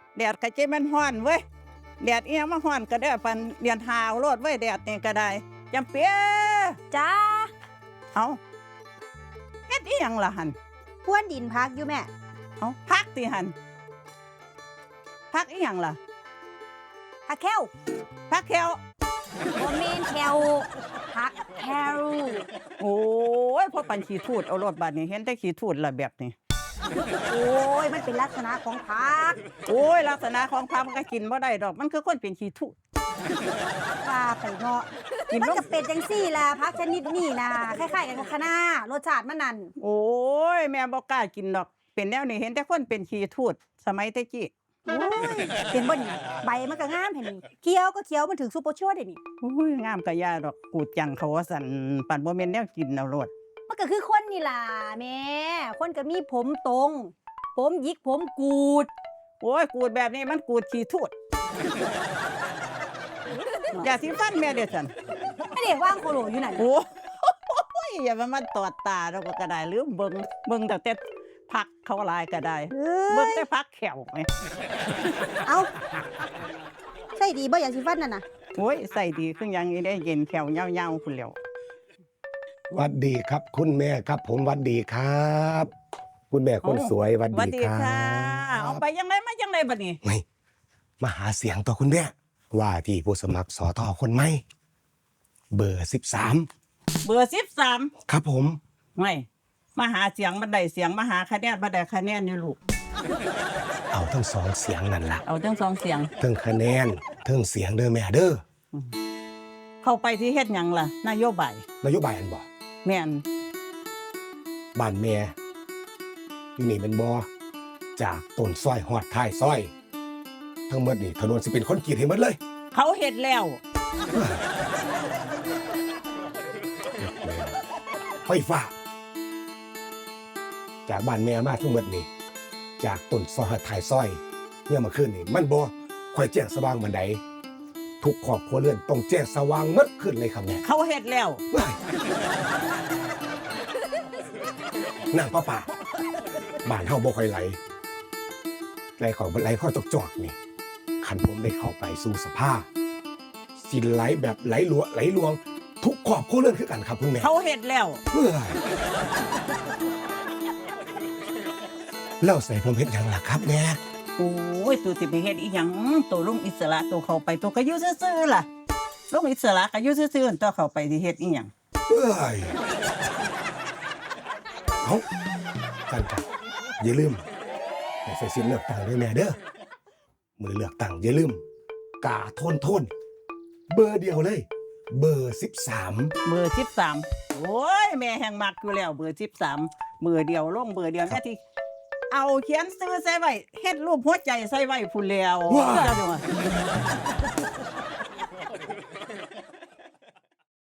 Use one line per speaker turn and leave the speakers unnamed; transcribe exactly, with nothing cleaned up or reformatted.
แดดกะเจมันฮ้อนเว้ยแดดเอียงมาฮ้อนก็ได้ปันเรียนหาวโลดเว้ยแดดนี่ก็ได้จำเปีย
จ้า
เอาเฮ็ดอีหยังล่ะหั่น
พวนดินพักอยู่แม่
เอาพักติหั่นพักอีหยังล่ะ
พักแคว
พักแคว
บ่แม่นแควพักแคว
โอ้ยพอปันขี้ทูดเอารถบัดนี้เห็นแต่ขี้ทูดละแบบนี้
โอ้ยมันเป็นลักษณะของพัก
โอ้ยลักษณะของพักมันก็กินบ่ได้ดอกมันคือคนเป็นขี้ทูด
ว่าไปเนาะ
กิน
มัน
บ่
ก็เป็นจังซี่ล่ะพักชนิดนี้นะคล้ายๆกันกับคะน้ารสชาติมันนั่น
โอ้ยแม่บ่กล้ากินดอกเป็นแนวนี้เห็นแต่คนเป็นขี้ทูดสมัยแต่กี้
โอ้ยเป็นบ่นี่ใบมันก็งามเห็นนี่เขียวก็เขียวมันถึงซุปเปอร์ชั่วเด้นี่
โอ้ยงามกะยาดอกกูดจังเขาว่าสั่นปั่นบ่แม่นแนวกินเอาโลด
มันก็คือคนนี่ล่ะแม่คนก็มีผมตรง ผมหยิกผมกูด
โอ้ยกูดแบบนี้มันกูดขี้ทูดอย่าสิฟันแม่เด้อสั่น
ให้เด็กว่างโคโลอยู่นั่น
โอ้ยอย่ามามันตอดตาเราก็ได้หรือเบิ่งเบิ่งแต่แต่พักเขาหลายก็ได้
เอ้
เบิ่ง
ย
แต่พักแขวไง
เอาใช่ดีบ่อย่างสิฟันนั่นน่ะ
โอ้ยใส่ดีคือหยังอีได้เย็นแขวยาวๆพุ่นแล้ว
หวัดดีครับคุณแม่ครับ ผมหวัดดีครับ คุณแม่คนสวยหวัด
สวัส
ดี
ดี
ครั
ค่ะ
บ
เอาไปยังไงมายังไงบัดนี้
ไม่มาหาเสียงต่อคุณแม่ว่าที่ผู้สมัครสอทอคนใหม่เบอร์สิบสาม
เบอร์สิบสาม
ครับผม
ไม่มาหาเสียงบันไดเสียงมาหาคะแนนบันไดคะแนนอยู่ลูก
เอาทั้งสองเสียงนั่นล่ะ
เอาทั้งสองเสียง
ทั้งคะแนนทั้งเสียงเด้อแม่เด้อ
เข้าไปที่เฮ็ดหยังล่ะนโยบาย
นโยบายอันบ่
แม่น
บ้านแม่อยู่นี่เป็นบ่จากต้นซอยหอดท้ายซอย ทั้งหมดนี่ถนนสิเป็นคอนกรีตให้หมดเลย
เขาเฮ็ดแล้ว
ไฟฟ้าจากบ้านแม่มาทั้งหมดนี่จากต้นซอยหอดท้ายซอยเนี่ยมาขึ้นนี่มันบ่ค่อยแจ้งสว่างบันไดทุกครอบครัวเรือนต้องแจ้งสว่างหมดขึ้นเลยครับแม่
เขาเฮ็ดแล้ว
ว้ายน้ำประปาบ้านเฮาบ่ค่อยไหลไหลเของไหลพ่อจอกๆนี่คันผมได้เข้าไปสู่สภาสิไหลแบบไหลหลวไหลลวง ทุกครอบครัวเรือนคือกันครับคุณแม่
เขาเฮ็ดแล้ว
เฮ้ยแล้วใส่ผมเฮ็ดหยังล่ะครับแม่
โอ้ยตัวสิไปเฮ็ดอีหยังตัวลุงอิสระตัวเข้าไปตัวก็อยู่ซื่อๆล่ะลุงอิสระก็อยู่ซื่อๆตัวเข้าไปสิเฮ็ดอีหยัง
เฮ้ยเอากันกันอย่าลืมไปใส่สิทธิ์เลือกตั้งด้วยแม่เด้อมือเลือกตั้งอย่าลืมกาโทนโทนเบอร์เดียวเลย เบอร์สิบสาม
เบอร์สิบสามโอ้ยแม่แห่งมักอยู่แล้วเบอร์สิบสามเบอร์เดียวลงเบอร์เดียวแม่ที่เอาเขียนซื้อใส่ไว้เฮ็ดรูปหัวใจใส่ไว้พูนแล้วเจ้าจังหวะ